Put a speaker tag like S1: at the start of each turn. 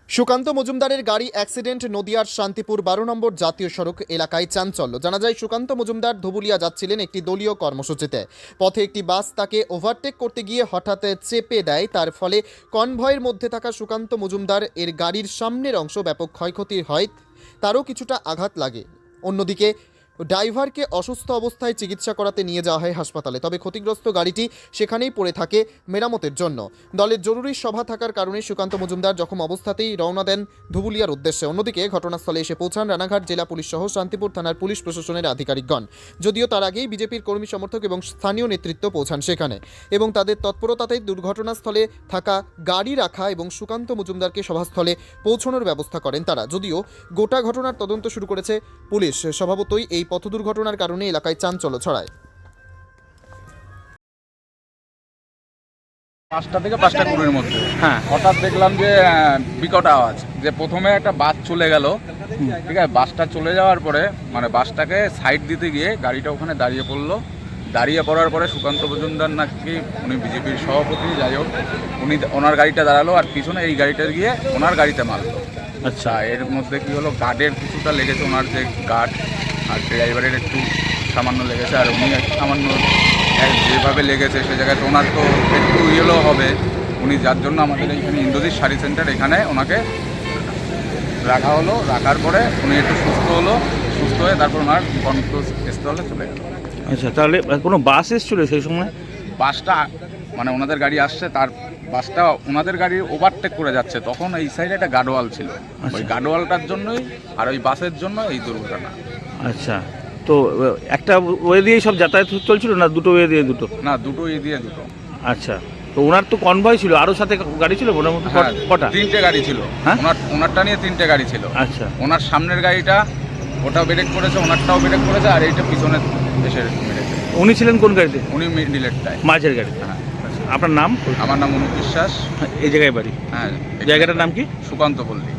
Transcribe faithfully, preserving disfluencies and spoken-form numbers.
S1: সুকান্ত মজুমদারের গাড়ি অ্যাক্সিডেন্ট নদিয়ার শান্তিপুর বারো নম্বর জাতীয় সড়ক এলাকায় চাঞ্চল্য। জানা যায় সুকান্ত মজুমদার ধুবুলিয়া যাচ্ছিলেন একটি দলীয় কর্মসূচিতে। পথে একটি বাস তাকে ওভারটেক করতে গিয়ে হঠাৎ চেপে দেয়। তার ফলে কনভয়ের মধ্যে থাকা সুকান্ত মজুমদার এর গাড়ির সামনের অংশ ব্যাপক ক্ষয়ক্ষতি হয়, তারও কিছুটা আঘাত লাগে। অন্যদিকে ড্রাইভারকে অসুস্থ অবস্থায় চিকিৎসা করাতে নিয়ে যাওয়া হয় হাসপাতালে। তবে ক্ষতিগ্রস্ত গাড়িটি সেখানেই পড়ে থাকে মেরামতের জন্য। দলের জরুরি সভা থাকার কারণে সুকান্ত মজুমদার জখম অবস্থাতেই রওনা দেন ধুবুলিয়ার উদ্দেশ্যে। অন্যদিকে ঘটনাস্থলে এসে পৌঁছান রানাঘাট জেলা পুলিশ সহ শান্তিপুর থানার পুলিশ প্রশাসনের আধিকারিকগণ। যদিও তার আগেই বিজেপির কর্মী সমর্থক এবং স্থানীয় নেতৃত্ব পৌঁছান সেখানে এবং তাদের তৎপরতাতেই দুর্ঘটনাস্থলে থাকা গাড়ি রাখা এবং সুকান্ত মজুমদারকে সভাস্থলে পৌঁছানোর ব্যবস্থা করেন তারা। যদিও গোটা ঘটনার তদন্ত শুরু করেছে পুলিশ। স্বভাবতই এই পথ দুর্ঘটনার কারণে এলাকায় চাঞ্চল্য ছড়ায়।
S2: পাঁচটা থেকে পাঁচটা কুড়ির মধ্যে হ্যাঁ হঠাৎ দেখলাম যে বিকট আওয়াজ, যে প্রথমে একটা বাস চলে গেল। ঠিক আছে, বাসটা চলে যাওয়ার পরে মানে বাসটাকে সাইড দিতে গিয়ে গাড়িটা ওখানে দাঁড়িয়ে পড়লো। দাঁড়িয়ে পড়ার পরে সুকান্ত মজুমদার নাকি, উনি বিজেপির সভাপতি, যাই হোক, উনি ওনার গাড়িটা দাঁড়ালো আর পিছনে এই গাড়িটা গিয়ে ওনার গাড়িতে মারলো। আচ্ছা, এর মধ্যে কি হলো, গার্ডের কিছুটা লেগেছে, ওনার যে গার্ড আর ড্রাইভারের একটু সামান্য লেগেছে, আর উনি সামান্য যেভাবে লেগেছে সে জায়গায় তো ওনার তো একটু ইয়েলো হবে। উনি যার জন্য আমাদের এইখানে ইন্দ্রজিৎ শাড়ি সেন্টার এখানে ওনাকে রাখা হলো। রাখার পরে উনি একটু সুস্থ হলো, সুস্থ হয়ে তারপর ওনার গন্তব্যস্থলে চলে গেল।
S3: আচ্ছা, তাহলে কোনো বাস এসেছিল সেই সময়?
S2: বাসটা মানে ওনাদের গাড়ি আসছে, তার বাসটা ওনাদের গাড়ি ওভারটেক করে যাচ্ছে, তখন এই সাইডে একটা গার্ডওয়াল ছিল, ওই গার্ডওয়ালটার জন্যই আর ওই বাসের জন্য এই দুর্ঘটনা।
S3: আচ্ছা, তো একটা ওয়ে দিয়েই সব যাতায়াত চলছিল না দুটো ওয়ে দিয়ে দুটো?
S2: না, দুটো এ দিয়ে দুটো।
S3: আচ্ছা, তো ওনার তো কনভয় ছিল, আরও সাথে গাড়ি ছিল মোটামুটি কটা?
S2: তিনটে গাড়ি ছিল।
S3: হ্যাঁ,
S2: ওনার ওনারটা নিয়ে তিনটে গাড়ি ছিল।
S3: আচ্ছা,
S2: ওনার সামনের গাড়িটা ওটাও ব্রেক করেছে, ওনারটাও ব্রেক করেছে, আর এইটা পিছনে এসে মেরেছে।
S3: উনি ছিলেন কোন গাড়িতে?
S2: উনি মিডিলেরটায়,
S3: মাঝের গাড়ি।
S2: হ্যাঁ।
S3: আপনার নাম?
S2: আমার নাম অনুপ বিশ্বাস।
S3: এই জায়গায় বাড়ি?
S2: হ্যাঁ।
S3: জায়গাটার নাম কি?
S2: সুকান্ত পল্লী।